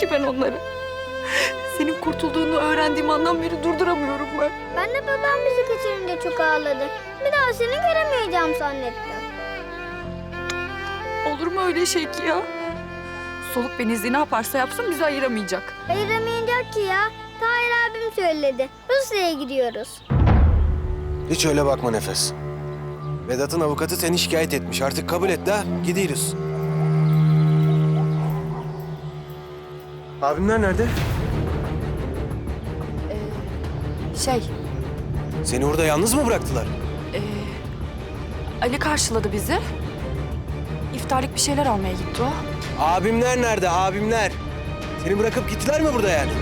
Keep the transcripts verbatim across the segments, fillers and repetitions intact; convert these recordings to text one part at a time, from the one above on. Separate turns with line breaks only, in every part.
ki ben onları. Senin kurtulduğunu öğrendiğim andan beri durduramıyorum ben.
Ben de babam bizi kaçırınca çok ağladı. Bir daha seni göremeyeceğim zannettim.
Olur mu öyle şey ki ya? Soluk Benizli ne yaparsa yapsın bizi ayıramayacak.
Ayıramayacak ki ya. Tahir abim söyledi. Rusya'ya gidiyoruz.
Hiç öyle bakma Nefes. Vedat'ın avukatı seni şikayet etmiş. Artık kabul et de gidiyoruz. Abimler nerede?
Şey,
Seni orada yalnız mı bıraktılar?
Ali karşıladı bizi. İftarlık bir şeyler almaya gitti o.
Abimler nerede? Abimler. Seni bırakıp gittiler mi burada yani?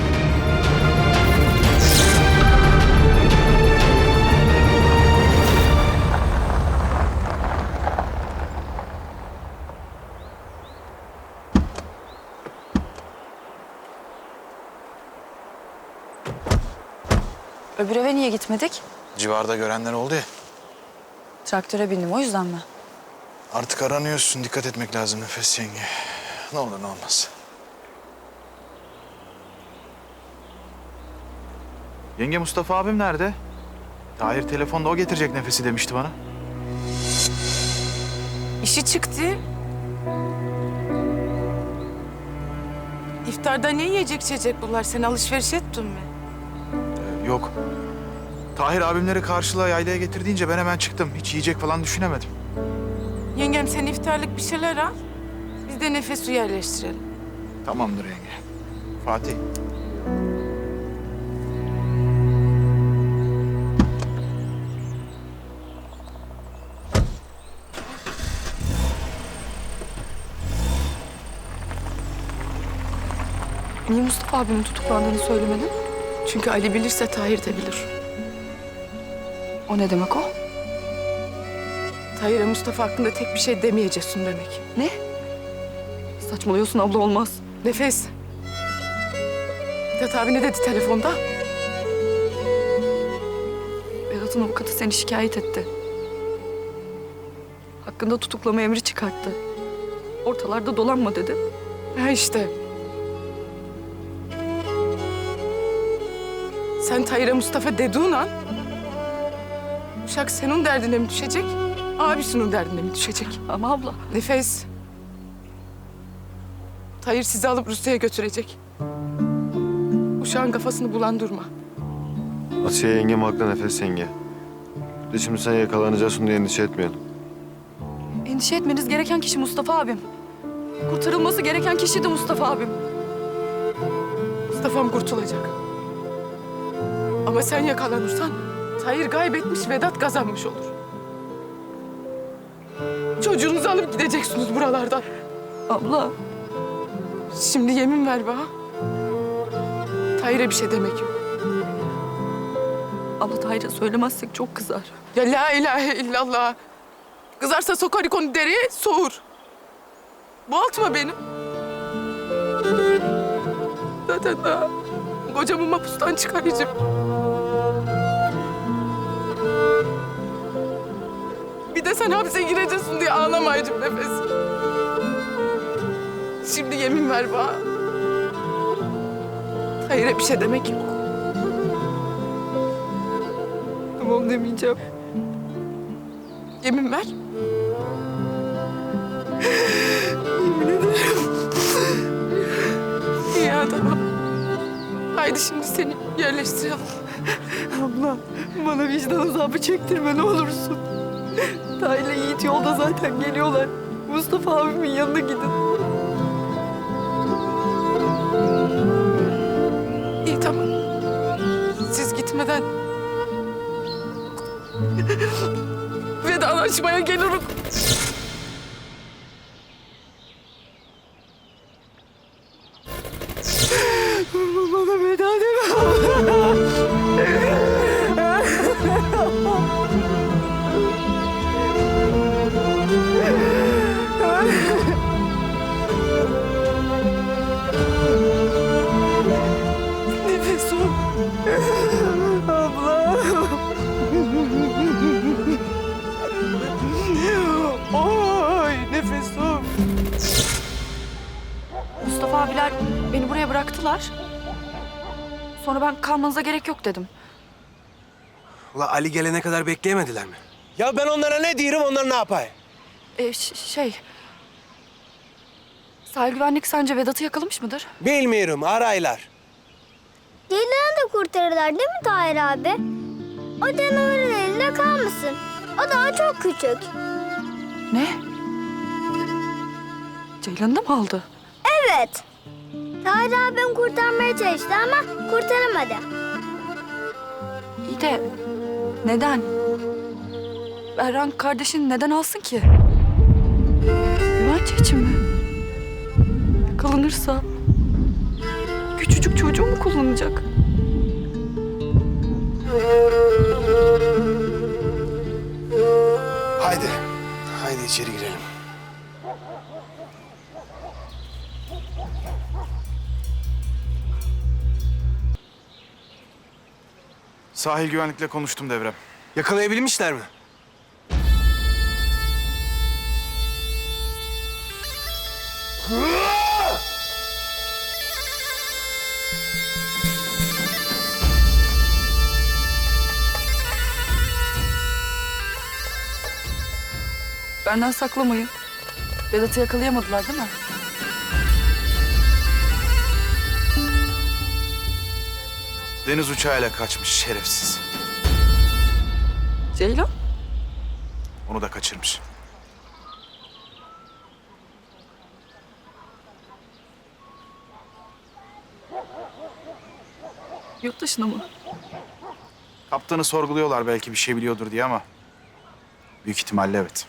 Öbür eve niye gitmedik?
Civarda görenler oldu ya.
Traktöre bindim, o yüzden mi?
Artık aranıyorsun. Dikkat etmek lazım Nefes yenge. Ne olur ne olmaz. Yenge Mustafa abim nerede? Tahir telefonda o getirecek Nefes'i demişti bana.
İşi çıktı. İftarda ne yiyecek içecek bunlar? Sen alışveriş ettin mi?
Ee, yok. Tahir abimleri karşıla yaylaya getir deyince ben hemen çıktım. Hiç yiyecek falan düşünemedim.
Yengem sen iftarlık bir şeyler al. Biz de Nefes'i yerleştirelim.
Tamamdır yenge. Fatih.
Niye Mustafa abimin tutuklandığını söylemedin?
Çünkü Ali bilirse Tahir de bilir.
O ne demek o?
Tahir'e Mustafa hakkında tek bir şey demeyeceksin demek.
Ne? Saçmalıyorsun abla, olmaz.
Nefes. Vedat abi ne dedi telefonda?
Vedat'ın avukatı seni şikayet etti. Hakkında tutuklama emri çıkarttı. Ortalarda dolanma dedi.
Ha işte. Sen Tahir'e Mustafa dediğin an... Uşak senin derdine mi düşecek, abisinin derdine mi düşecek?
Ama abla,
Nefes. Tahir sizi alıp Rusya'ya götürecek. Uşağın kafasını bulandırma.
Asiye yengem haklı Nefes yenge. De şimdi sen yakalanacaksın diye endişe etmeyelim.
endişe etmeniz gereken kişi Mustafa abim. Kurtarılması gereken kişi de Mustafa abim.
Mustafa'm kurtulacak. Ama sen yakalanırsan Tahir kaybetmiş, Vedat kazanmış olur. Çocuğunuzu alıp gideceksiniz buralardan.
Abla,
Şimdi yemin ver bana. Tahir'e bir şey demek yok.
abla Tahir'e söylemezsek çok kızar.
Ya la ilahe illallah. Kızarsa sokar onu dereye, soğur. Boğaltma beni. Zaten daha kocamı mahpustan çıkaracağım. Bir de sen hapse gireceksin diye ağlamayacağım Nefes. Şimdi yemin ver bana. Hayır, bir şey demek yok.
Tamam demeyeceğim.
Yemin ver.
Yemin ederim.
Ya tamam. Haydi şimdi seni yerleştirelim.
Abla, bana vicdan azabı çektirme ne olursun. Tahir'le Yiğit yolda zaten geliyorlar. Mustafa abimin yanına gidin.
İyi tamam. Siz gitmeden vedalaşmaya gelirim.
Bana veda deme. Nefes o. Abla. O oraya bıraktılar. Sonra ben kalmanıza gerek yok dedim.
Ula Ali gelene kadar bekleyemediler mi? Ya ben onlara ne diyorum, onlar ne yapay?
Ee, ş- şey... Sahil güvenlik sence Vedat'ı yakalamış mıdır?
Bilmiyorum, araylar.
Ceylan'ı da kurtarırlar değil mi Tahir abi? O canavarın elinde kalmasın. O daha çok küçük.
Ne? Ceylan'ı da mı aldı?
Evet. Tahir abim kurtarmaya çalıştı ama kurtaramadı.
İyi de neden? Berran kardeşin neden alsın ki? Güvence için mi? Yakalanırsa küçücük çocuğu mu kullanacak?
Haydi, haydi içeri girelim.
Sahil güvenlikle konuştum Devrem.
Yakalayabilmişler mi?
Benden saklamayın. Vedat'ı yakalayamadılar değil mi?
Deniz uçağıyla kaçmış şerefsiz.
Ceylan?
Onu da kaçırmış.
Yurt dışına mı?
Kaptanı sorguluyorlar belki bir şey biliyordur diye ama... büyük ihtimalle evet.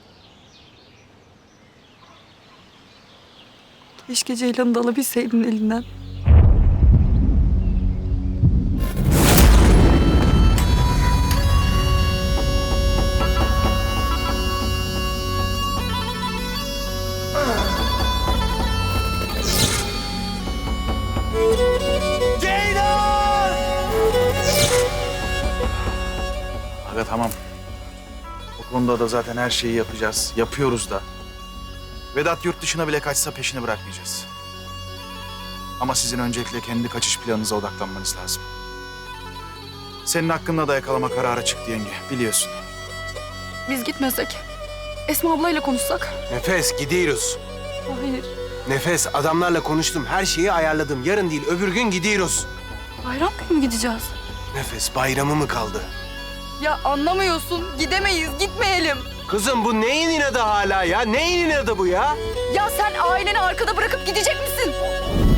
Keşke Ceylan'ı da alabilseydin elinden.
Aga tamam. O konuda da zaten her şeyi yapacağız. Yapıyoruz da. Vedat yurt dışına bile kaçsa peşini bırakmayacağız. Ama sizin öncelikle kendi kaçış planınıza odaklanmanız lazım. Senin hakkında da yakalama kararı çıktı yenge, biliyorsun.
Biz gitmesek, Esma ablayla konuşsak.
Nefes, gidiyoruz.
Hayır.
Nefes, adamlarla konuştum. Her şeyi ayarladım. Yarın değil, öbür gün gidiyoruz.
Bayram günü mü gideceğiz?
Nefes, bayramı mı kaldı?
Ya anlamıyorsun. Gidemeyiz, gitmeyelim.
Kızım bu neyin inadı hala ya? Neyin inadı bu ya?
Ya sen aileni arkada bırakıp gidecek misin?